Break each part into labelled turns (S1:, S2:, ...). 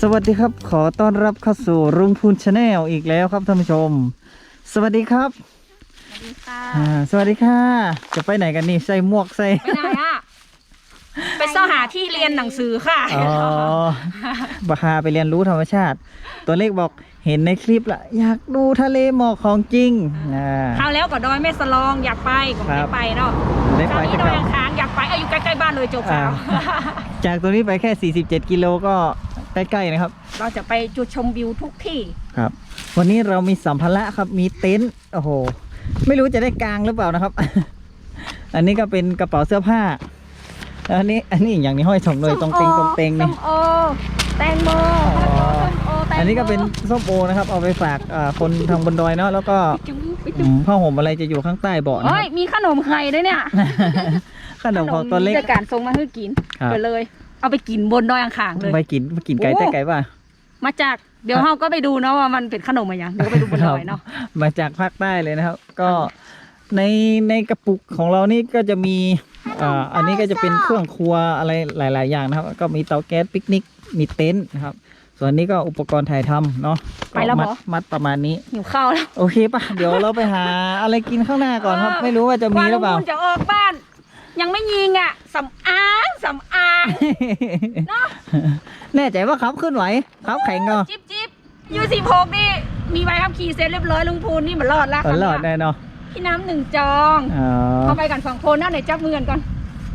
S1: วัสดีครับขอต้อนรับเข้าสู่รุ่งพูนชาแนลอีกแล้วครับท่านผู้ชมสวัสดีครับ
S2: สวัสดีค่ะ
S1: สวัสดีค่ะจะไปไหนกันนี่ใส่หมวกใส่
S2: ไปไหนอ่ะไปซ่อหาที่เรียนหนังสือค่ะ
S1: อ๋อบาฮาไปเรียนรู้ธรรมชาติ ตัวเลขบอกเห็นในคลิปละอยากดูทะเลหมอกของจริง
S2: คราวแล้วก็ดอยแม่สลองอยากไปก็ไม่ได้ไปเนาะคราวนี้ดอยอังคารอยากไปอยู่ใกล้ๆบ้านเลยจบแล้ว
S1: จากตัวนี้ไปแค่47กิโลก็ใกล้ๆนะครับ
S2: เราจะไปจุดชมวิวทุกที่
S1: ครับวันนี้เรามีสัมภาระครับมีเต็นท์โอ้โหไม่รู้จะได้กางหรือเปล่านะครับ อันนี้ก็เป็นกระเป๋าเสื้อผ้าอันนี้อย่างนี้ห้อยถงเลยตรงเต็งนี่
S2: ส้มโอแตงโม
S1: อันนี้ก็เป็นส้มโอนะครับเอาไปฝากคนทางบนดอยเนาะแล้วก็ผ้าห่มอะไรจะอยู่ข้างใต้เบาะนะครับ
S2: มีขนมไข่ด้วยเนี่ย
S1: ขนมของตัวเล็ก
S2: จะการส่งมาให้กินไปเลยเอาไปกินบนดอยอังคารเลย
S1: ไปกินไก่แต่ไก่ป่ะ
S2: มาจากเดี๋ยวเราก็ไปดูเนาะว่ามันเป็นขนมอะไรอย่างเดี๋ยวไปดูบนดอยเนาะ
S1: มาจากภาคใต้เลยนะครับก็ในกระปุกของเรานี่ก็จะมีอันนี้ก็จะเป็นเครื่องครัวอะไรหลายๆอย่างนะครับก็มีเตาแก๊สปิกนิกมีเต็นท์นะครับส่วนนี้ก็อุปกรณ์ถ่ายทำเนาะ
S2: ไปแล้ว
S1: มัดประมาณนี้
S2: หิวข้าวแล้ว
S1: โอเคป่ะเดี๋ยวเราไปหาอะไรกินข้างหน้าก่อนครับไม่รู้ว่าจะมีหรือเปล่า
S2: จะออกบ้านยังไม่ยิงอ่ะสำอางเนาะ
S1: แน่ใจว่าขับขึ้นไหวขับแข็งเนาะ
S2: จิ๊บยู16นี่มีใบขับขี่เสร็จเรียบร้อยลุงพูนนี่มันรอดแล้ว
S1: รอดได้เนาะ
S2: พี่น้ำ1 จองเข้าไปกัน2 คนนะไหนจับมือกันก่อน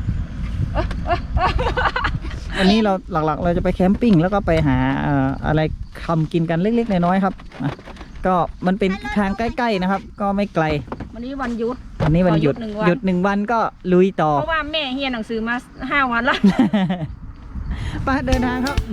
S1: วันนี้เราหลักๆเราจะไปแคมปิ้งแล้วก็ไปหาอะไรทำกินกันเล็กๆน้อยๆครับก็มันเป็นทางใกล้ๆนะครับก็ไม่ไกล
S2: วันนี้วันหยุด
S1: วันนี้วันหยุด1 วันก็ลุยต่อ
S2: เพราะว่าแม่เฮียนหนังสือมา5 วันแล้ว
S1: ไปเดินทางครับ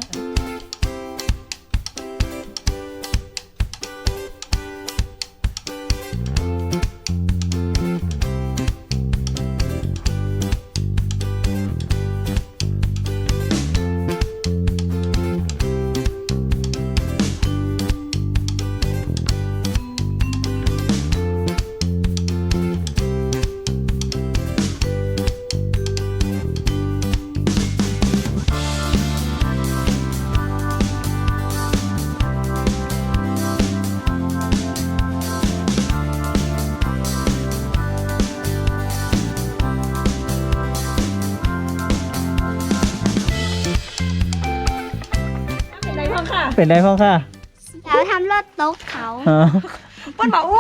S1: เป็นไรพ่อค่ะ
S3: แล้วทำรถตกเขา
S2: มันบอก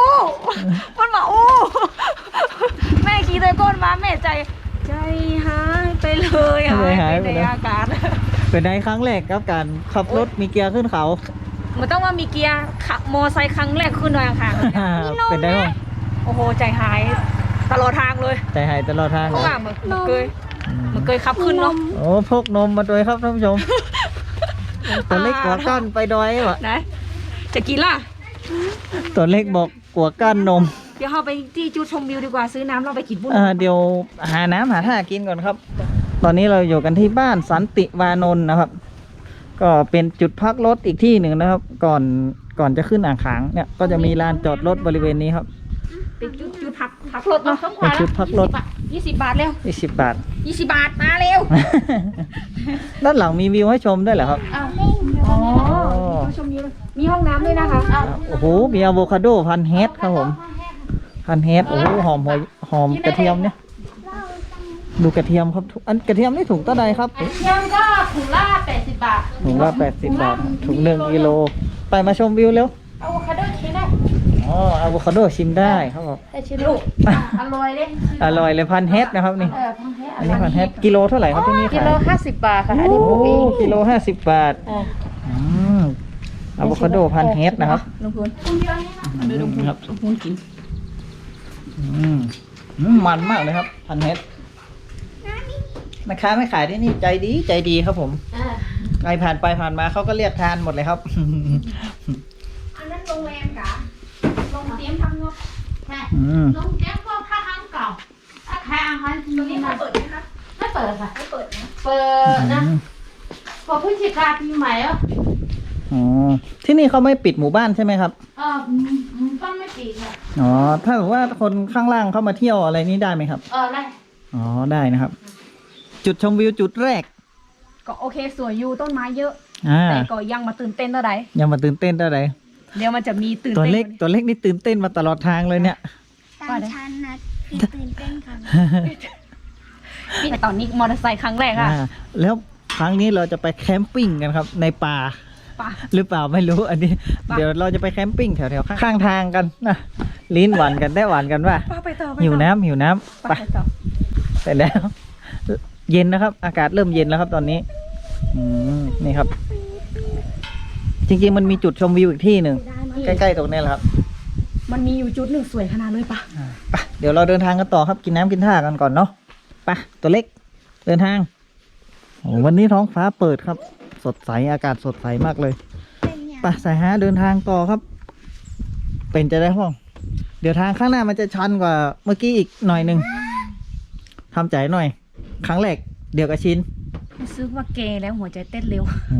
S2: แม่ขี่ตัวก้นมาแม่ใจหายไปเลยหายไปในอากาศ
S1: เป็นไงครั้งแรกครับการขับรถมีเกียร์ขึ้นเขา
S2: มันต้องว่ามีเกียร์ขับมอไซค์ครั้งแรกขึ้นดอยอังคาร
S1: เป็นได้ไหม
S2: โอ้โหใจหายตลอดทางเลย
S1: ใจหายตลอดทาง
S2: เพราะว่ามันเคยขับขึ้นเนาะ
S1: โอ้พกนมมาด้วยครับท่านผู้ชมตัวเล็กกว่าก้านไปดอยวะ
S2: ไหนจะกินล่ะ
S1: ตัวเล็กบอกกว่าก้านนม
S2: เดี๋ยวเราไปที่จุดชมวิวดีกว่าซื้อน้ำเราไปกินบุญ
S1: เดี๋ยวหาน้ำหาท่ากินก่อนครับตอนนี้เราอยู่กันที่บ้านสันติวานนท์นะครับก็เป็นจุดพักรถอีกที่หนึ่งนะครับก่อนจะขึ้นอ่างขางเนี่ยก็จะมีลานจอดรถบริเวณนี้ครับ
S2: เป็นจุดพักรถเนาะ
S1: เป็นจุดพักรถ
S2: 20 บาทเร็ว
S1: 20 บาท
S2: 20 บาทมาเร็ว
S1: ด้านหลังมีวิวให้ชมด้วยเหรอครับ
S2: อ๋อชมวิวมีห้องน้ำด้วยนะคะ
S1: โอ้โหมีอะโวคาโดพันเฮดครับผมพันเฮดโอ้หอมกระเทียมเนี่ยดูกระเทียมครับอันกระเทียมนี่ถุงเท่าใดครับ
S2: กระเทียมก็ถุงละ80 บาท
S1: ถุงละ80 บาทถุง1 กิโลไปมาชมวิวเร็ว
S2: อะโวคาโดชิมได้
S1: อะโวคาโดชิมได้ครับผม
S2: ได้ชิมลูกอร่อยเลย
S1: พันเฮดนะครับนี่อันนี้พันเฮดกิโลเท่าไหร่ครับที่นี่
S2: กิโล50 บาทค่ะอันนี้
S1: กิโล50 บาทอะโวคาโดพันเฮดนะครับ
S2: ลุงพูนครับลุงพูนกิน
S1: มันมากเลยครับพันเฮดแม่ค้าไม่ขายที่นี่ใจดีครับผมใครผ่านไปผ่านมาเขาก็เรียกทานหมดเลยครับ
S2: อันนั้นโรงแรมกะโรงเตรียมทำงบ
S3: ใช่โรงแรมพวกท่าทางเก่าถ้าใครอ่างคันตรงนี้มาเปิดไหมคะไม่เปิดค่ะไม่เปิดนะเปิดนะพอพฤศจิกาปีใหม่อ่ะ
S1: ที่นี่เขาไม่ปิดหมู่บ้านใช่ไหมครับ
S3: ต้องไม่ปิดค่ะ
S1: ถ้าสมมติว่าคนข้างล่างเข้ามาเที่ยวอะไรนี้ได้ไหมครับ
S3: ได้
S1: ได้นะครับจุดชมวิวจุดแรก
S2: ก็โอเคสวยอยู่ต้นไม้เยอะแต่ก็ยังมาตื่นเต้นเท่าไหร่
S1: ยังมาตื่นเต้นเท่าไหร่
S2: เดี๋ยวมันจะมีตื่น
S1: ตัว
S2: เต้น
S1: เล็กนี่ตื่นเต้นมาตลอดทางเลยเนี่ย
S4: ตามชั้นนะคือตื่นเต้นค่ะ
S2: นี่ตอนนี้มอเตอร์ไซค์ครั้งแรกค่ะ
S1: แล้วครั้งนี้เราจะไปแคมปิ้งกันครับ ในป่า
S2: ป่ะ
S1: หรือเปล่าไม่รู้อันนี้
S2: ป่ะ
S1: เดี๋ยวเราจะไปแคมปิ้งแถวๆข้างทางกันนะลิ้นหวานกันได้หวานกันว่า
S2: ป้าไปต่อ
S1: หิวน้ำ
S2: ไป
S1: ไป
S2: ต่อ
S1: เสร็จแล้ว เย็นนะครับ อากาศเริ่มเย็นแล้วครับตอนนี้นี่ครับ จริงๆมันมีจุดชมวิวอีกที่หนึ่งใกล้ๆตรงนี้แหละครับ
S2: มันมีอยู่จุดหนึ่งสวยขนาดเลยป่ะ
S1: ไปเดี๋ยวเราเดินทางกันต่อครับกินน้ำกินท่ากันก่อนเนาะไปตัวเล็กเดินทางโอ้วันนี้ท้องฟ้าเปิดครับ สดใสอากาศสดใสมากเลย
S4: เป็นอย่าง
S1: ไปสายฮาเดินทางต่อครับ เป็นจะได้ห้อง เดี๋ยวทางข้างหน้ามันจะชันกว่าเมื่อกี้อีกหน่อยหนึ่งทำใจหน่อย ครั้งแรกเดี๋ยวกับชิน
S2: รู้สึกว่าเกย์แล้วหัวใจเต้นเร็ว
S1: โอ้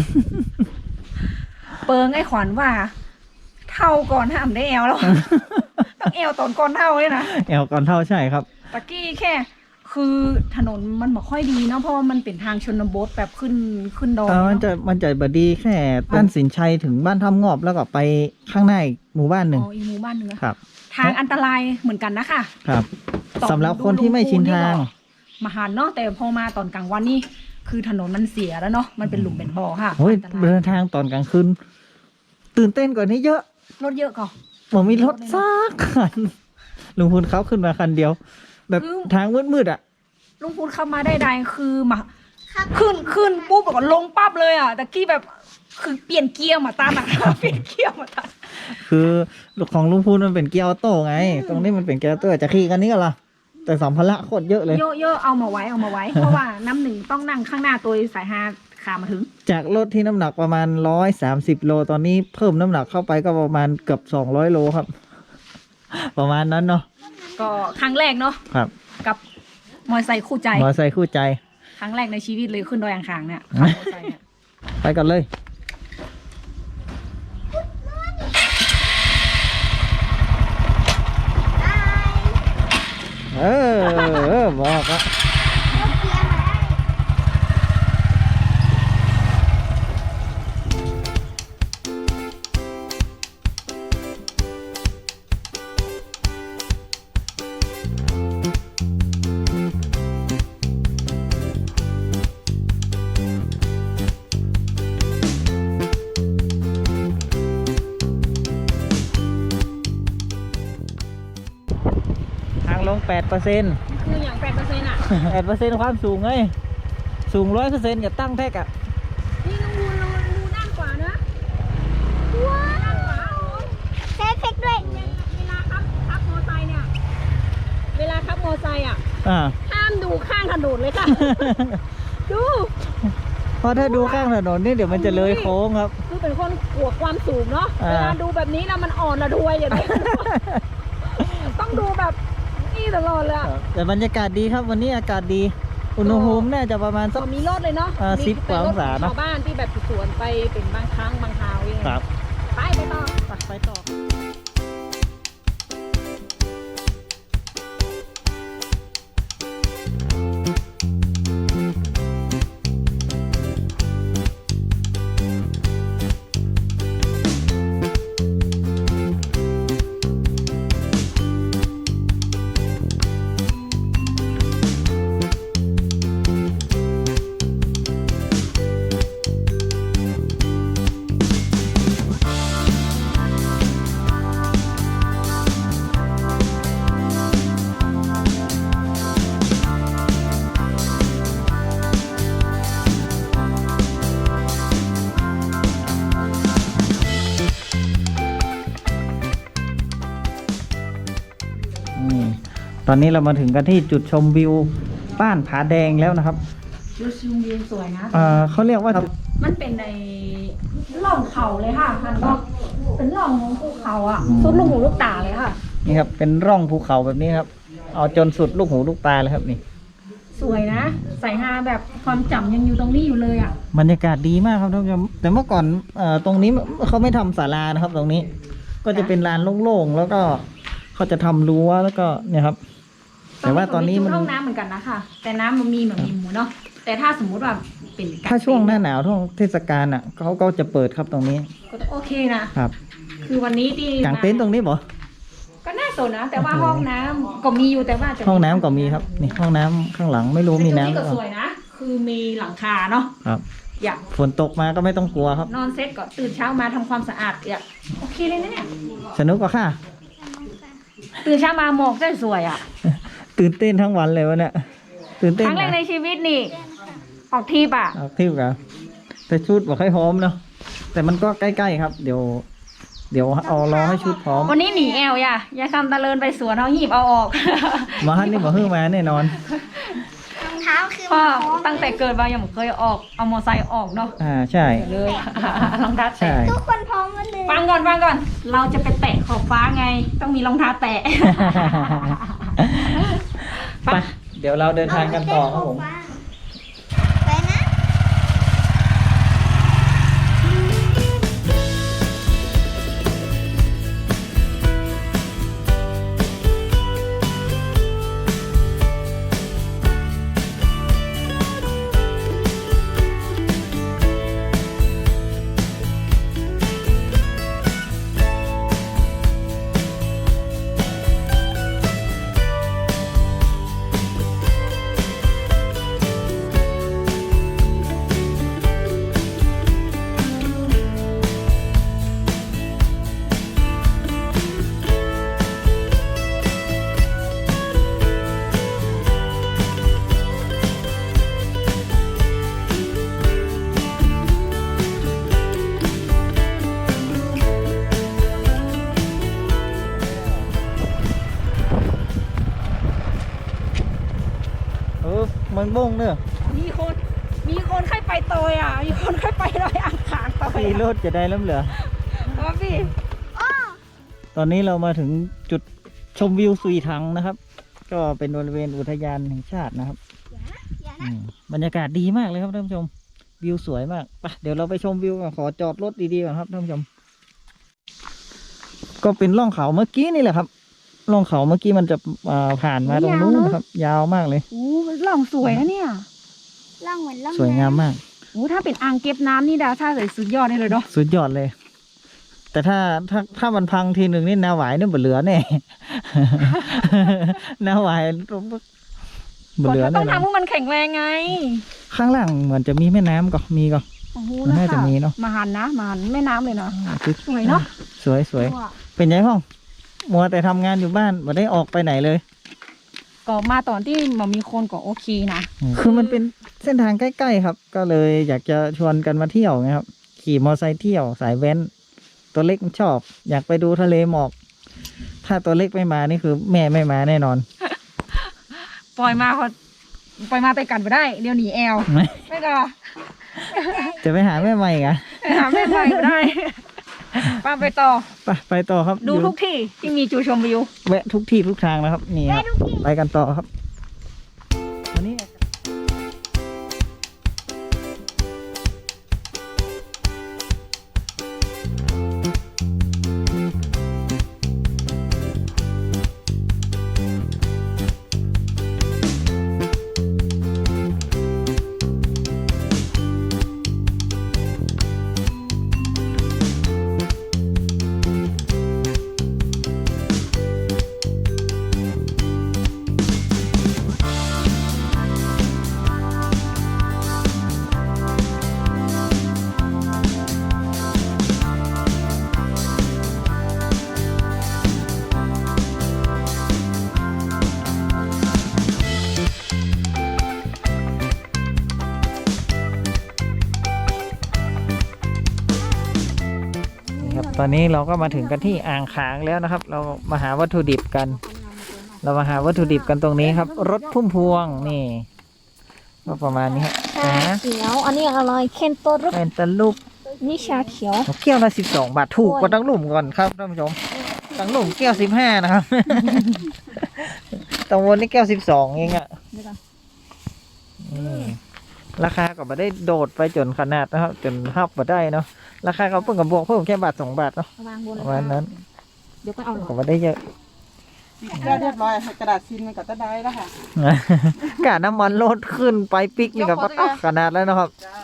S2: เปิงไอ้ขวัญว่า เท่าก่อนห้ามได้แอลแล้ว ต้องแอลตอนก่อนเท่าเลยนะ
S1: แอลก่อนเท่าใช่ครับ
S2: ตะกี้แค่ คือถนนมันไม่ค่อยดีเนาะเพราะว่ามันเป็นทางชนบทแบบขึ้นดอย
S1: มัน
S2: เนาะ
S1: มันจะบดีแค่บ้านสินชัยถึงบ้านถ้ำงอบแล้วก็ไปข้างหน้าอีกหมู่บ้านหนึ่ง
S2: อ๋ออีหมู่บ้านเนื้อ
S1: ครับ
S2: ทางอันตรายเหมือนกันนะคะ
S1: ครับ
S2: ต่อ
S1: สำหรับคนที่ไม่ชินทาง
S2: มาหันเนาะแต่พอมาตอนกลางวันนี่คือถนนมันเสียแล้วเนาะมันเป็นหลุมเป็นบ่อค่ะ
S1: โอ้ย
S2: อันตราย
S1: เดินทางตอนกลางคืนตื่นเต้นกว่านี้เยอะ
S2: รถเยอะก่อน
S1: ผมมีรถซักคันลุงพูนเขาขึ้นมาคันเดียว แบบ
S2: คือ
S1: ทางมืดๆอ่ะ
S2: ลุงพูดเข้ามาได้ใดคือมาขึ้นปุ๊บแล้วก็ลงปั๊บเลยอ่ะตะกี้แบบคือเปลี่ยนเกียร์มาตามอ่ะ เปลี่ยนเกียร์มาตาม
S1: คือของลุงพูนมันเป็นเกียร์ออโต้ไง ตรงนี้มันเป็นเกียร์ออโต้จะขี่กันนี้กันล่ะแต่สัมภาระโคตรเยอะเลย
S2: เยอะๆเอามาไว้ เพราะว่าน้ำหนึ่งต้องนั่งข้างหน้าตัวสายฮาขามาถึง
S1: จากรถที่น้ำหนักประมาณ130โลตอนนี้เพิ่มน้ำหนักเข้าไปก็ประมาณเกือบ200โลครับ ประมาณนั้นเนาะ
S2: ก็ครั้งแรกเนาะ
S1: ครับ
S2: กับมอเตอร์ไซค์คู่ใจ
S1: มอเตอร์ไซค์คู่ใจ
S2: ครั้งแรกในชีวิตเลยขึ้นดอยอ่างขางเนี่ยขับมอเตอร์ไซค์เนี่ย
S1: ไปกันเลย บอกอะทางลง 8%
S2: คืออย่าง8%อ่ะ
S1: 8% ความสูงไงสูง 100%อย่าตั้งแท็กอ่ะ
S2: นี่น้องวูดูด้านขวานะว้าวด้านขวา
S4: เซฟเฟกด้วย
S2: เวลาขับมอไซค์เนี่ย เวลาขับมอไซค์อ่ะ
S1: อ่า
S2: ห้ามดูข้างถนนเลยค่ะ ดู
S1: เพราะถ้าดูข้างถนนนี่เดี๋ยวมันจะเลยโค้งครับ
S2: คือเป็นคนกลัวความสูงเนาะ
S1: อ่า
S2: เวลาดูแบบนี้แล้วมันอ่อนระทวยอย่างนี้ ต้องดูแบบนี่ตลอดเลยอะ
S1: แต่บรรยากาศดีครับวันนี้อากาศดี อุณหภูมิน่าจะประมาณสัก
S2: มีรถเลยเนาะ
S1: 10 กว่าองศา
S2: ชา
S1: เนอะ
S2: วบ้านที่แบบสวนไปเป็นบางครั้งบางคราวเอง
S1: ครับ
S2: ไปต่อ
S1: ไปต่อ ตอนนี้เรามาถึงกันที่จุดชมวิวบ้านผาแดงแล้วนะครับ
S2: ดูชิมวิวสวยนะ
S1: เขาเรียกว่า
S2: มันเป็นในร่องเขาเลยค่ะมันก็เป็นร่องของภูเขาอ่ะสุดลูกหูลูกตาเลยค่ะ
S1: นี่ครับเป็นร่องภูเขาแบบนี้ครับ เอาจนสุดลูกหูลูกตาเลยครับนี่
S2: สวยนะสายฮาแบบความจำยังอยู่ตรงนี้อยู่เลยอ่ะ
S1: บรรยากาศดีมากครับท่านผู้ชมแต่เมื่อก่อนตรงนี้เขาไม่ทำศาลานะครับ ตรงนี้ก็จะเป็นลานโล่งๆแล้วก็เขาจะทำรั้วแล้วก็เนี่ยครับ แต่ว่าตอนนี้มัน
S2: ห้องน้ำเหมือนกันนะคะแต่น้ำมันมีเหมือนมีหมูเนาะแต่ถ้าสมมุติว่าเป็นกร
S1: ถ้าช่วงหน้าหนาวช่วงเทศกาลอ่ะเขาก็จะเปิดครับตรงนี้
S2: ก็โอเคนะครับ คือวันนี้ที่
S1: กางเต็นท์ตรงนี้บ่
S2: ก็น่าสนนะ แต่ว่าห้องน้ำก็มีอยู่แต่ว่าจะ
S1: ห้องน้ำก็มีครับนี่ห้องน้ำข้างหลังไม่รู้มีน้ำห
S2: นี่
S1: รือ
S2: ก็
S1: เป
S2: ส
S1: ล่า
S2: วยนะ คือมีหลังคาเนาะ
S1: ครับ
S2: อยาก
S1: ฝนตกมาก็ไม่ต้องกลัวครับ
S2: นอนเซ็ตก็ตื่นเช้ามาทำความสะอาดอยากโอเคเลยนะเนี่ย
S1: สนุกกว่าค่ะ
S2: ตื่นเช้ามาหมอกได้สวยอ่ะ
S1: ตื่นเต้นทั้งวันเลยวะเนี่ยตื่น
S2: ค
S1: เต้น
S2: รั้งแรกในชีวิตนี่ ออกทริปอ่ะ
S1: เอาทิวกันแต่ชุดบอกให้พร้อมเนาะแต่มันก็ใกล้ๆครับ เดี๋ยวเอารอให้ชุดพร้อม
S2: วันนี้หนีแอลอย่าคำตะเลินไปสวนเอาหีบเอาออก
S1: มาฮันนี่บอกฮื้อมาแน่นอน
S4: รองเท้าคือ
S2: พ่อ
S4: มาพร้อม
S2: ตั้งแต่เกิดมายังไม่เคยออกเอามอไซค์ออกเนาะ
S1: ใช่
S2: เลย รองเท้า
S1: ใช่
S2: แตะ
S4: ทุกคนพร้อมหมดเลย
S2: ฟังก่อน เราจะไปแตะขอบฟ้าไง ต้องมีรองเท้าแตะ
S1: ไปเดี๋ยวเราเดินทางกันต่อครับผม
S4: ไปนะ
S1: เมืองบ้งเนอะ
S2: มีคนใครไปโตยอ่ะ มีคนใครไปลอยอ่างขางโตย
S1: ขี่รถจะได้ล้ำเหลือ
S2: ว่าพี่
S1: ตอนนี้เรามาถึงจุดชมวิวสุยถังนะครับ ก็เป็นบริเวณอุทยานแห่งชาตินะครับ
S4: อย่า
S1: อื
S4: นะ
S1: มบรรยากาศดีมากเลยครับท่านผู้ชม วิวสวยมากไปเดี๋ยวเราไปชมวิวกันขอจอดรถดีๆก่อนครับท่านผู้ชม ก็เป็นร่องเขาเมื่อกี้นี่แหละครับร่องเขาเมื่อกี้มันจะผ่านมาตรงนู้นนะครับ ยาวมากเลย
S2: โอ้ล่องสวยนะเนี่ย
S4: ล่องเหมือนล่อง
S1: สวยงามมาก
S2: โอ้ถ้าเป็นอ่างเก็บน้ำนี่ดาวท่าใส่สุดยอดเลยเนาะ
S1: สุดยอดเลย แต่ถ้ามันพังทีหนึ่งนี่นาหวายนี่บ่เหลือแน่ นาหวายบ่เหลือ
S2: ต้
S1: แน่
S2: อง
S1: นอน
S2: ทำให้มันแข็งแรงไง
S1: ข้างล่างเหมือนจะมีแม่น้ำก็มีก็
S2: โอ้โห
S1: มัน
S2: นะ
S1: น่าจะ
S2: คะ
S1: มีเนอะ
S2: มาหันแม่น้ำเลยเนาะ สวยเนอะ
S1: สวยสวยเป็นไงห้องมัวแต่ทำงานอยู่บ้านไม่ได้ออกไปไหนเลย
S2: ก็มาตอนที่มันมีคนก็โอเคนะ
S1: คือมันเป็นเส้นทางใกล้ๆครับ ก็เลยอยากจะชวนกันมาเที่ยวไงครับ ขี่มอไซค์เที่ยวสายแว้น ตัวเล็กมันชอบ อยากไปดูทะเลหมอก ถ้าตัวเล็กไม่มานี่คือแม่ไม่มาแน่นอน
S2: ปล่อยมาไปกันไปได้ เดี๋ยวหนีแอล ไม่ก็
S1: จะไปหาแม่ใหม่อีกอะ
S2: หาแม่ไปก็ได้ป้าไปต่อ
S1: ไปต่อครับ
S2: ดู
S1: อยู่
S2: ทุกที่ที่มีจุดชมวิว
S1: แวะทุกที่ทุกทางนะครับ นี่ครับไปกันต่อครับวันนี้ นี่ครับตอนนี้เราก็มาถึงกันที่อ่างขางแล้วนะครับ เรามาหาวัตถุดิบกัน เรามาหาวัตถุดิบกันตรงนี้ครับ รถพุ่มพวงนี่ก็ประมาณนี้ครับ
S4: ชาเขียว อันนี้อร่อยเคนโตรุ
S1: เป็นตะลุก
S4: นี่ชาเขียว
S1: แก้วละ12 บาทถูกกว่าตั้งหลุมก่อนครับท่านผู้ชมตั้งหลุมแก้ว15นะครับ ตังวนนี่แก้ว12เองอะนี่ราคาก็ไม่ได้โดดไปจนขนาดนะครับ จนหับมาได้เนาะราคาเขาเพิ่งกับบวกเพิ่มแค่บาท2 บาทเนาะ
S2: วางบน
S1: ประมาณนั้น
S2: เดี๋ยวก็เอาหรอ
S1: ก็ไม่ได้เยอะ
S5: ได้เรียบร้อยกระดาษซินมันก็จะได้แล้วค่ะ
S1: กะน้ำมันลดขึ้นไปปิกนี่กับปักขนาดแล้วนะครับ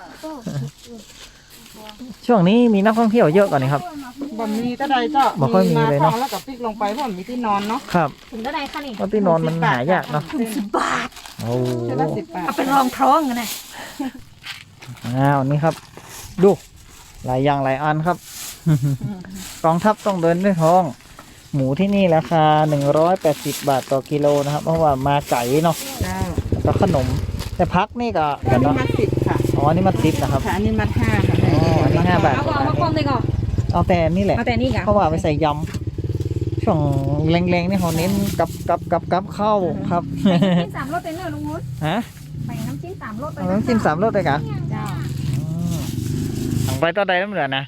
S1: ช่วงนี้มีนักท่องเที่ยวเยอะกว่านี้ครับ
S5: บ่มีก็ได้เจ้า
S1: บ่ค่อยมีเลยเนาะ
S5: แล้วก็พลิกลงไปเพราะมันมีที่นอนเนาะ
S1: ครับ
S2: ถึงได้ค่ะนี่
S1: เพราะที่นอนมันหายากเนาะ
S2: 10 บาท
S1: โอ้
S5: เส้นละ10 บาท
S2: เอาเป็นรองท้องกันนะ
S1: อ้าวนี่ครับ ดูหลายอย่างหลายอันครับ กองทัพต้องเดินด้วยท้อง หมูที่นี่ราคา180 บาทต่อกิโลนะครับ เพราะว่ามาไก่เนาะ
S5: เจ้า
S1: แล้วขนม แต่พักนี่ก็
S5: อั
S1: กัน น
S5: นี้
S1: เนาะ
S5: มัด10ค่ะ
S1: อ๋ออันนี่มัน10นะครับ
S5: ค่ะอันนี้มัด5ค่ะ
S1: อ๋ออันนี้5 บาท
S2: เอามาคว่ำเลยก่อน
S1: เอาแต่นี่แหละ
S2: เอาแต่นี่ค่ะ
S1: เพราะว่าไปใส่ยำช่วงแรงๆนี่เขาเน้นกับข้าวครับ
S2: จิ้ม3 รสเป็นเนื้อลุงวุ้น
S1: ฮะ
S2: ใส่น้ำจิ้ม3 รสไป
S1: เอาน้ำจิ้ม3 รสเลยกะ
S2: เจ้า
S1: สั่งไปต่อใดน้ำเหลือนะ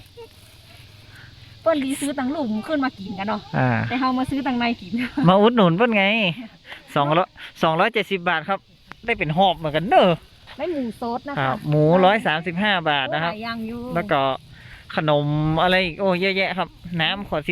S2: เปิ้นดีซื้อตังหลุมขึ้นมากินกันเนาะ
S1: อ่า
S2: แต่เฮามาซื้อตังในกิน
S1: มาอุดหนุนเพิ่นไง270 บาทครับ ได้เป็นหอบเหมือนกันเนอะ
S2: ได้หมูซดนะ
S1: ครั
S2: คะ
S1: บหมู135 บาทนะครับ
S2: หลายอย่างอยู่
S1: แล้วก็ขนมอะไรอีกโอ้เยอะแยะครับ น้ำขวด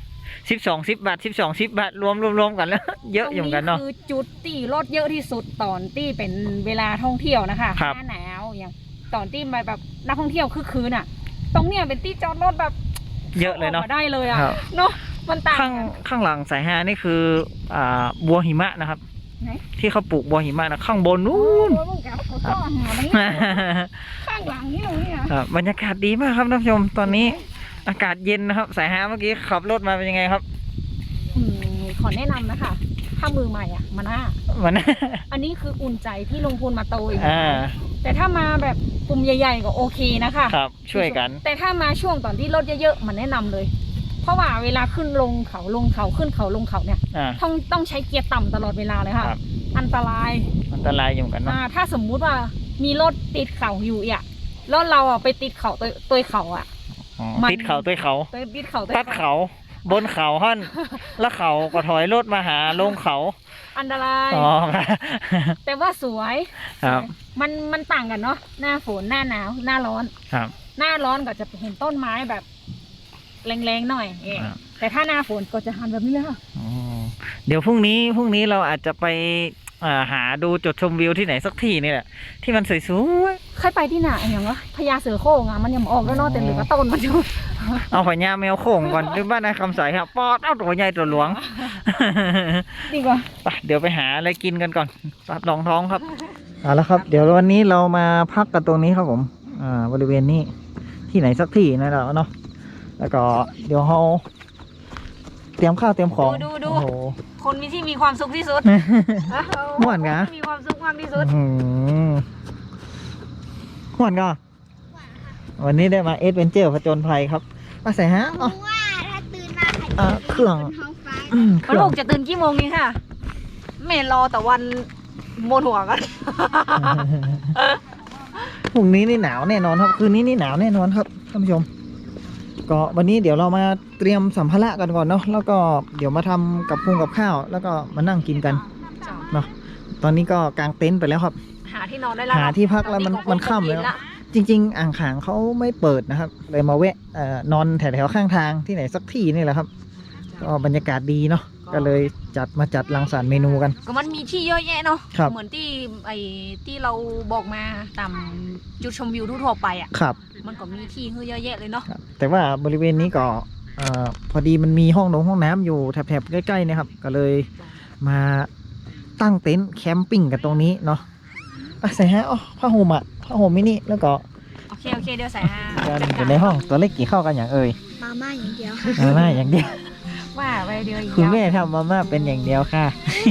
S1: 10 บาท10 บาทรวมกันแล้ว เยอะอยู่เหมือนกันเนาะ
S2: คือจุดที่รถเยอะที่สุดตอนที่เป็นเวลาท่องเที่ยวนะคะ
S1: ครับ
S2: หน้าหนาวอย่างตอนที่แบบนักท่องเที่ยวคือคืนอ่ะ ตรงเนี้ยเป็นที่จอดรถแบบ
S1: เยอะเลยเนาะ
S2: ข้มได้เลยอ่ะ
S1: ครับ
S2: เนาะมันต่าง
S1: ข้าง
S2: กัน
S1: ข้างหลังสายฮานี่คือบัวหิมะนะครับ
S2: ไหน
S1: ที่เขาปลูกบัวหิมะนะข้างบนนู้น
S2: โอ้ยมึงแกเขาซ่อนหาตรงนี้ข้างหลังนี่ตรงนี้อ่ะ
S1: ครับบรรยากาศดีมากครับท่านผู้ชมตอนนี้อากาศเย็นนะครับ สายฮาเมื่อกี้ขับรถมาเป็นยังไงครับ
S2: ขอแนะนำนะคะ ถ้ามือใหม่อ่ะมาหน้า
S1: มัน
S2: อันนี้คืออุ่นใจที่ลงทุนมาโตอีก
S1: อ่า
S2: แต่ถ้ามาแบบกลุ่มใหญ่ๆก็โอเคนะคะ
S1: ครับช่วยกัน
S2: แต่ถ้ามาช่วงตอนที่รถเยอะๆมันแนะนำเลย เพราะว่าเวลาขึ้นลงเขาลงเขาขึ้นเขาลงเขาเนี่ย
S1: อ่า
S2: ต้องใช้เกียร์ต่ำตลอดเวลาเลยค่ะ
S1: ครับ
S2: อันตราย
S1: อันตรายอยู่เหมือนกันเนาะ
S2: ถ้าสมมุติว่ามีรถติดเขาอยู่อ่ะแล้วเราอ่ะไปติดเขาตัวเขาอ่ะ
S1: อ๋อ
S2: มัน
S1: ติดเขาตัวเขา
S2: ไปติดเขาตัว
S1: ตัดเขาบนเขาหั่นแล้วเขาก็ถอยรถมาหาลงเขา
S2: อันตราย
S1: อ๋อครับ
S2: แต่ว่าสวย
S1: ครับ
S2: มันต่างกันเนาะหน้าฝนหน้าหนาวหน้าร้อน
S1: ครับ
S2: หน้าร้อนก็จะเห็นต้นไม้แบบแรงๆหน่อยเอง
S1: ครับ
S2: แต่ถ้าหน้าฝนก็จะหันแบบนี้เลยค่ะ
S1: อ๋อเดี๋ยวพรุ่งนี้เราอาจจะไปหาดูจุดชมวิวที่ไหนสักที่นี่แหละที่มันสวย
S2: เคยไปที่ไหนอย่างวะพญาเสือโคร่งอ่ะมันยังออกแล้วเนาะแต่เหลือต้นมันอยู่
S1: ๆเอาพญาแมวโข่งก่อนหรือบ้านนายคำใสครับปอดเอาตัวใหญ่ตัวหลวง
S2: ดีกว่า
S1: ไปเดี๋ยวไปหาอะไรกินกันก่อนปัดรองท้องครับเอาละครับ เดี๋ยววันนี้เรามาพักกันตรงนี้ครับผมบริเวณนี้ที่ไหนสักที่นะเราเนาะแล้วก็เดี๋ยวเราเตรียมข้าวเตรียมของ
S2: ดู
S1: โอ้โห
S2: คนมีที่มีความสุขที่สุด
S1: ม่วนกะ
S2: มีความสุขมากที่สุด
S1: ม่วนก็วันนี้ได้มาเอดเวนเจอร์ผจญภัยครับมาใส่ฮะอ๋อ
S4: ว่าถ้าตื่นมาใคร
S1: เครื่อง
S4: บนท้องฟ้า
S1: เค
S2: แล้ว
S1: รื่
S2: ลู
S1: อง
S2: กจะตื่นกี่โมงนี่ค่ะแม่รอแต่วันโมนหัวกัน
S1: พรุ่งนี้นี่หนาวแน่นอนครับคืนนี้นี่หนาวแน่นอนครับท่านผู้ชม ก็วันนี้เดี๋ยวเรามาเตรียมสัมภาระกันก่อนเนาะแล้วก็เดี๋ยวมาทำกับข้าว แล้วก็มานั่งกินกันเนาะตอนนี้ก็กางเต็นท์ไปแล้วครับ
S2: หาที่นอนได้แล้ว
S1: หาที่พักแล้วมันค่ำแล้ว จริง ๆ อ่างขางเขาไม่เปิดนะครับ เลยมาแวะนอนแถวๆข้างทางที่ไหนสักที่นี่แหละครับก็บรรยากาศดีเนาะก็เลยจัดรังสรรค์เมนูกัน
S2: ก็มันมีที่เยอะแยะเนาะ
S1: ครับ
S2: เหมือนที่ที่เราบอกมาตามจุดชมวิวทั่วๆไปอ่ะ
S1: ครับ
S2: มันก็มีที่ให้เยอะแยะเลยเนาะ
S1: ครับแต่ว่าบริเวณนี้ก็พอดีมันมีห้องน้ำอยู่แถบๆใกล้ๆนะครับ ก็เลยมาตั้งเต็นท์แคมปิ้งกันตรงนี้เนาะใส่ฮะผ้าห่มผ้าห่มมินิแล้วก็
S2: โอเคเดี๋ยวใส่ฮา
S1: กันอยู่ในห้องตัวเล็กกี่เข้ากันอย่างเอ่ย
S4: มาม่าอย่างเดียว
S1: มาม่าอย่างเดียว
S2: ว่าไปเดียวอีก
S1: คุณแม่ทำมาม่าเป็นอย่างเดียวค่ะ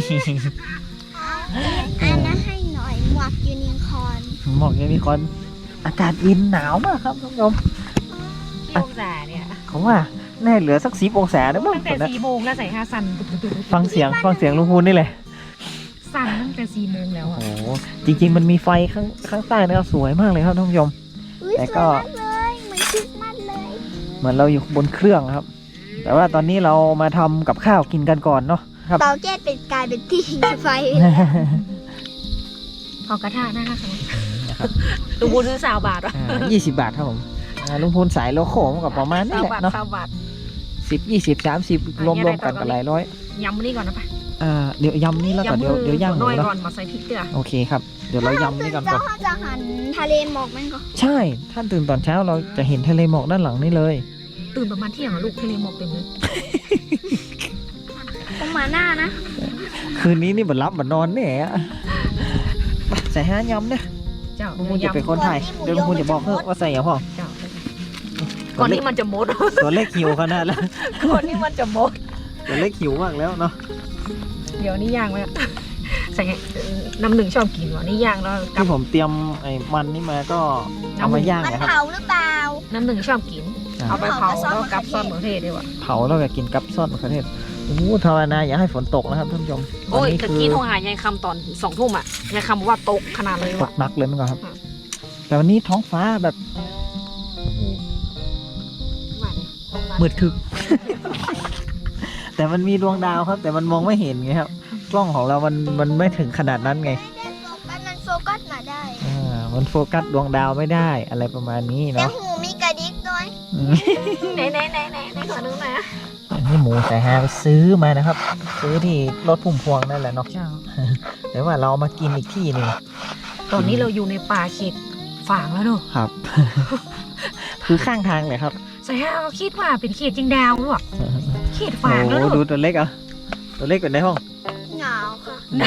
S4: อันนั้นให้หน่อยหมวกยูนิคอร์น
S1: หมอกยังมีคนอากาศเย็นหนาวมากครับท่านผู้ชม
S2: ที่องศาเนี่ย
S1: เขาว่าแน่เหลือสัก10 องศาได้บ้าง
S2: ตั้งแต่4 โมงแล้วใส่ฮาสั่น
S1: ฟังเสียงลุงพูนนี่เลย
S2: สั่นตั้งแต่4 โมงแล้ว
S1: โอ้
S2: อ่ะ
S1: โหจริงๆมันมีไฟข้างใต้นะครับสวยมากเลยครับท่านผู้ชม
S4: อุ้ย
S1: แต่
S4: ส
S1: ก็
S4: วยมากเลยเหมือนคริสต์มาสเลย
S1: เหมือนเราอยู่บนเครื่องครับ แต่ว่าตอนนี้เรามาทำกับข้าวกินกันก่อนเนาะครับ
S4: เตาแก๊สเป็นกลายเป็นที่ไฟ
S2: พอกระทะนะคะลุงบูซื้อ20 บาทวะ
S1: 20 บาทครับผมลุงพูนสายโลโก้มันกับประมาณนี้แหละเนาะ
S2: 20 บาท
S1: 10 20 30 รวมๆกันก็หลายร้อย
S2: ยำนี่ก่อนนะปะ
S1: เดี๋ยวยำนี่แล้วก็เดี๋ยวย่างหมู
S2: น้อย
S1: เนาะ
S2: ก่อนมาใส่พริกเกลือ
S1: โอเคครับ เดี๋ยวเรายำนี่ก่อน
S4: เจ้าเขาจะหันทะเลหมอกมันก็
S1: ใช่ ท่านตื่นตอนเช้าเราจะเห็นทะเลหมอกด้านหลังนี่เลย
S2: ตื่นประมาณเที่ยงอะลูกทะเลหมอกเต็มเลย
S4: ต้องมาหน้านะ
S1: คืนนี้นี่บัดรับบัดนอนเนี่ยใส่ห้ายำเนี่ย
S2: เจ้า
S1: ลุงพูนจะเป็นคนไทยเดี๋ยวลุงพูนจะบอกเพิ่มว่าใส่อย่างพ่อ
S2: เจ้าก่อนนี้มันจะหมด
S1: ตัวเล็กหิวขนาดแล้ว
S2: ก่อนนี้มันจะหมด
S1: ตัวเล็กหิวมากแล้วเนาะ
S2: เดี๋ยวนี่ย่างไว้อะใส่ไงน้ำหนึ่งชอบกินวะนี่ย่างแล้วกับ
S1: ที่ผมเตรียมไอ้มันนี่มาก็เอามาย่าง
S4: มัน
S1: นะครับ
S4: เผาหรือเปล่า
S2: น้ำหนึ่งชอบกิน
S1: อ่า
S2: เอาไปเผาแล้วกับซอสมะเขือเทศด้วยว่ะ
S1: เผาแล้วก็กินกับซอสมะเขือเทศโอ้โหภาวนาอย่าให้ฝนตกนะครับท่านผู้ชม
S2: โอ้ย
S1: วันนี้
S2: ตะ
S1: คือ
S2: กี้โทรหายายคำตอน2 ทุ่มอ่ะยายคำบอกว่าตกขนาดเลย
S1: ต
S2: ว่ะ
S1: กหนักเลยมั้งครับ
S2: อืม
S1: แต่วันนี้ท้องฟ้าแบบ
S2: ว่าเลย
S1: มืดทึก แต่มันมีดวงดาวครับ แต่มันมองไม่เห็นไงครับ กล้องของเรามันไม่ถึงขนาดนั้นไง
S4: มันโฟกัสมาได้
S1: มันโฟกัสดวงดาวไม่ได้อะไรประมาณนี้
S4: แต่
S1: เนาะ
S4: หูมีกระดิกด้วย
S1: อืม
S2: ไหนขอนึงหน่อยนะ
S1: อันนี้หมูสายฮาไปซื้อมานะครับ ซื้อที่รถพุ่มพวงนั่นแหละเนาะ
S2: เจ้า
S1: แต่ว่าเรามากินอีกที่หนึ่ง
S2: ตอนนี้เราอยู่ในป่าเขตฝางแล้วเนอะ
S1: ครับ คือข้างทางเลยครับ
S2: ใส่ให้เราคิดว่าเป็นเขตจิงดาวหรือเปล่าเขต
S1: โอ้
S2: ฝางแล้วเน
S1: ดู
S2: อะ
S1: ตัวเล็กอ่ะตัวเล็กอยู่ในห้อง
S4: หนาวค่ะ
S1: หนา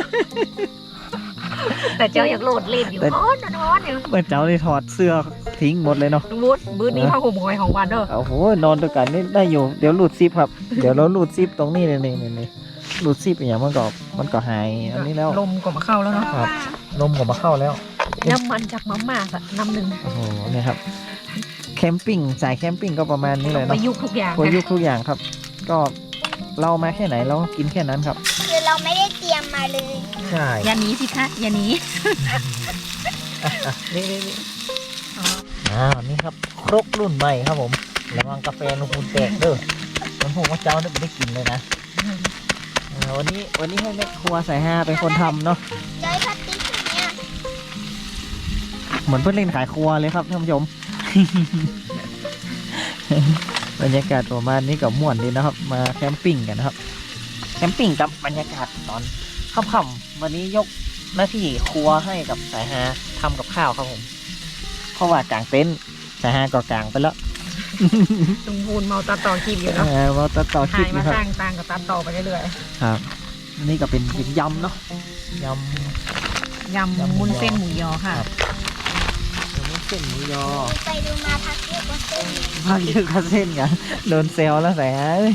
S2: แต่เจ้าอยากโหลดเล่นอยู่ร้อนอยู่
S1: เมื่อเจ้าได้ถอดเสื้อทิ้งหมดเลยเนาะ
S2: ลุงวุฒิบื้อนี้ผ้าห่มหอยของวันเด้อ
S1: โอ้โหนอนด้วยกันนี่ได้อยู่เดี๋ยวหลุดซิปครับ เดี๋ยวเราหลุดซิปตรงนี้เลยนี่หลุดซิปอย่างมันก็หายอันนี้แล้ว
S2: ลมก็มาเข้าแล้วเนาะ
S1: ครับ ลมก็มาเข้าแล้ว
S2: น้ำมันจากมาม่าสักน้ำหนึ่ง
S1: โอ้โหเนี่ยครับแคมปิ้งสายแคมปิ้งก็ประมาณนี้เลย
S2: ป
S1: เนาะ
S2: ระยุกต์ทุกอย่าง
S1: พอยุคทุกอย่างครับ ก็เรามาแค่ไหนเราก็กินแค่นั้นครับ
S4: คือเราไม่ได้เตรียมมาเลย
S1: ใช่
S2: อย่าหนีสิคะอย่าหนี
S1: นี่นี่ครับครกรุ่นใหม่ครับผมระวังกาแฟนุคุณแตกเด้อมันผมว่าเจ้าเนี่ยไม่ได้กินเลยนะวันนี้ให้แม่ครัวสายฮาเป็นคนทำเนาะ
S4: ใจพลาสติกอย่างเนี้ย
S1: เหมือนเพื่อนเล่นขายครัวเลยครับท่านผู้ชม บรรยากาศประมาณนี้กับม่วนดีนะครับ มาแคมปิ้งกันนะครับ แคมปิ้งกับบรรยากาศตอนค่ำๆวันนี้ยกหน้าที่ครัวให้กับสายฮาทำกับข้าวครับผม เพราะว่ากางเต็นท์สายฮาก็กางไปแล้ว
S2: ลุงพูนเมาตัดต่อคลิปอยู่เนาะ
S1: เราต่อคลิ
S2: หา
S1: ป
S2: ยมา
S1: นะครับ
S2: สร้างตังกับตัดต่อไปเรื่อย
S1: ครับนี่ก็เป็นยำเนาะย
S2: ๆยำมุนเส้นหมูยอค่ะ
S1: ำเส้นหมูยอ
S4: ไปดูมาพักเยอะกว่าเส้น
S1: ภาคเยอะกว่าเส้นกันโดนเซลแล้วสายฮาเอ้ย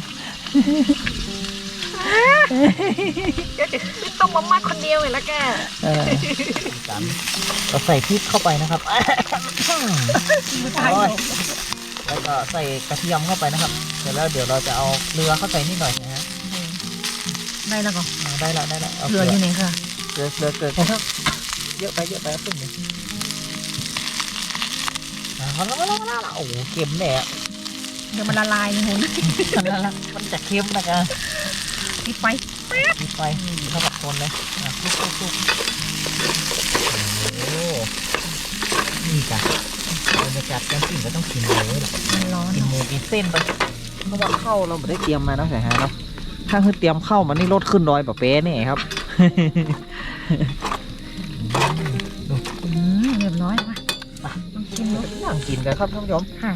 S2: ต้องมามัดคนเดียวเลยละแก
S1: กันเราใส่พริกเข้าไปนะครับ
S2: ไม่ตาย
S1: โอ้ยแล้วก็ใส่กระเทียมเข้าไปนะครับเสร็จแล้วเดี๋ยวเราจะเอาเกลือเข้าไปนิดหน่อยนะฮะ
S2: ได้แล้วก็
S1: ได้แล้วเอา
S2: เหลืออยู่ไหนค่ะ
S1: เกลือครับเยอะไปเอาขึ้นเลยเอาแล้วโอ้โหเค็มแน่
S2: เดี๋ยวมันละลายนี่คุณ
S1: มันจะเค็มนะครับ
S2: ปิดไฟ
S1: มีไฟเข้ากับคนเลยทุกโอ้โหนี่จ้ะบรรยากาศการกินก็ต้องกินเลย
S2: มันร้อน
S1: กินหมูกินเส้นไปเพราะว่าข้าวเราไม่ได้เตรียมมาเนาะสายฮาเนาะถ้าคือเตรียมข้าวมันนี่ลดขึ้นร้อยแบบเป๊ะนี่ครับ
S2: เรียบร้อยมาต้องชิมดู
S1: นั่งกินกันครับท่านผู้ชม
S2: ค่ะ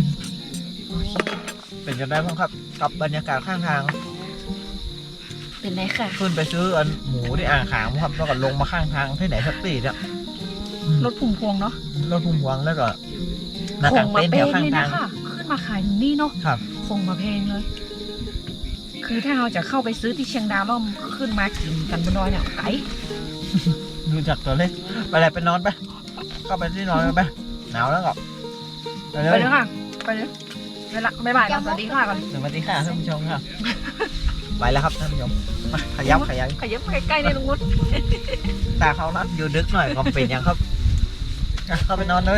S1: เป็นยังไงบ้างครับกับบรรยากาศข้างทาง
S2: เป็นไรค่ะ
S1: ขึ้นไปซื้ออันหมูที่อ่างขางครับแล้วก็ลงมาข้างทางที่ไหนสักตีเนี่ย
S2: รถพุ่มพวงเนาะ
S1: รถพุ่มพวงแล้วก็หน้ากางเต็นท์แถวข้าง
S2: เลย
S1: ทา
S2: นะ
S1: ง
S2: ค่ะขึ้นมาขายถึงนี่เนาะ
S1: ครับ
S2: คงมาแพงเลย คือถ้าเราจะเข้าไปซื้อที่เชียงดาวแล้วขึ้นมากินกันบนดอยเนี่ยไกล
S1: ดูจากตัวเลขไปเลยไปนอนไปเข้าไปที่นอนกันไปหนาวแล้วก็ไปเล
S2: ไป
S1: ย
S2: เลยค่ะ ไปเลยเวลาบ๊ายบายนะสวัสดีค่ะก่อน
S1: สวัสดีค่ะท่านผู้ชมครับไปแล้วครับท่านผู้ชมมาขยับ
S2: ขยับใกล้ๆในลุงวุฒิ
S1: ตาเขานัดอยู่ดึกหน่อยก็เป็นยังครับอ่ะเข้าไปนอนเลย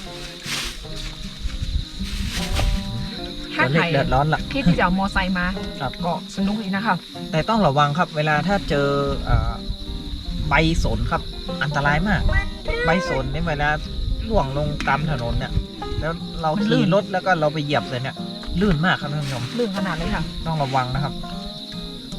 S2: ถ้า
S1: ตัวเล
S2: ใคร
S1: ขเดือดร้อนละ
S2: ที่จะเอามอไซค์มา
S1: ครับ
S2: ก็สนุกดีนะคะ
S1: แต่ต้องระวังครับ เวลาถ้าเจอใบสนครับอันตรายมาก ใบสนเนี่ยเวลาล่วงลงตามถนนเนี่ย แล้วเราขี่รถแล้วก็เราไปเหยียบเลยเนี่ยลื่นมากครับท่านผู้ชม
S2: ลื่นขนาดเลยค่ะ
S1: ต้องระวังนะครับ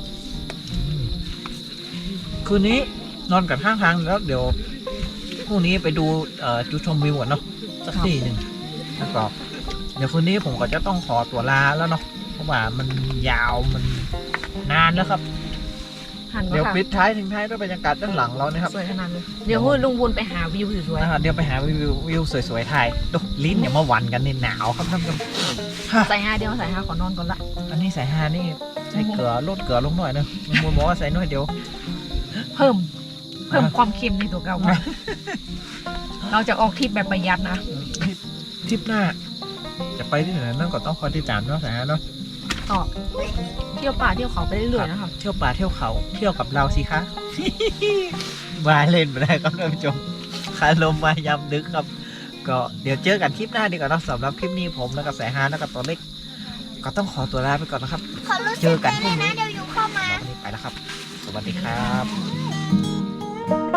S1: คืนนี้นอนกันข้างทางแล้วเดี๋ยวพรุ่งนี้ไปดูจุดชมวิวก่อนเนาะสักที่หนึ่งแล้วก็เดี๋ยวคืนนี้ผมก็จะต้องขอตัวลาแล้วเนาะเพราะว่ามันยาวมันนานแล้วครับ
S2: หัน
S1: เดี๋ยว
S2: มาค่ะ
S1: ปิดท้ายทิ้งท้ายด้วยบรรยากาศด้านหลังเรานะครับ
S2: สวยขนาดเลยเดี๋ยวลุงบุญไปหาวิวสวย
S1: เดี๋ยวไปหาวิวสวยๆถ่ายดูลิ้นอย่ามาหวันกันในหนาวครับท่านผู้ชม
S2: ๆใส่5เดี๋ยวใส่5ขอนอนก่อนละ
S1: อันนี้ใส่ฮานี่ใส่เกลือลดเกลือลงหน่อยนึงมูลบอกว่าใส่หน่อยเดียว
S2: เพิ่มความเค็มในตัวเก่าค่ะเราจะออกทริปแบบประหยัดนะ
S1: ทริปหน้า จะไปที่ไหนนั่นก็ต้องคอยติดตามเนาะสายฮาเนาะ
S2: ก็เที่ยวป่าเที่ยวเขาไปเรื่อยๆนะครับ
S1: เที่ยวป่าเที่ยวเขาเที่ยวกับเราสิคะ วายเล่นไปได้ครับท่านผู้ชมคาลมมายำดึกครับ ก็เดี๋ยวเจอกันคลิปหน้าดีกว่าเนาะสำหรับคลิปนี้ผมแล้วก็สายฮาแล้วก็ตัวเล็ก ก็ต้องขอตัวลาไปก่อนนะครับ
S4: เขารู้
S1: เจ
S4: สึ
S1: อก กัน
S4: ได้
S1: พ
S4: เล
S1: รุ่ง
S4: ยนะ
S1: นี้
S4: เดี๋ยวอยู่เข้ามา
S1: วันนี้ไปแล้วครับ สวัสดีครับ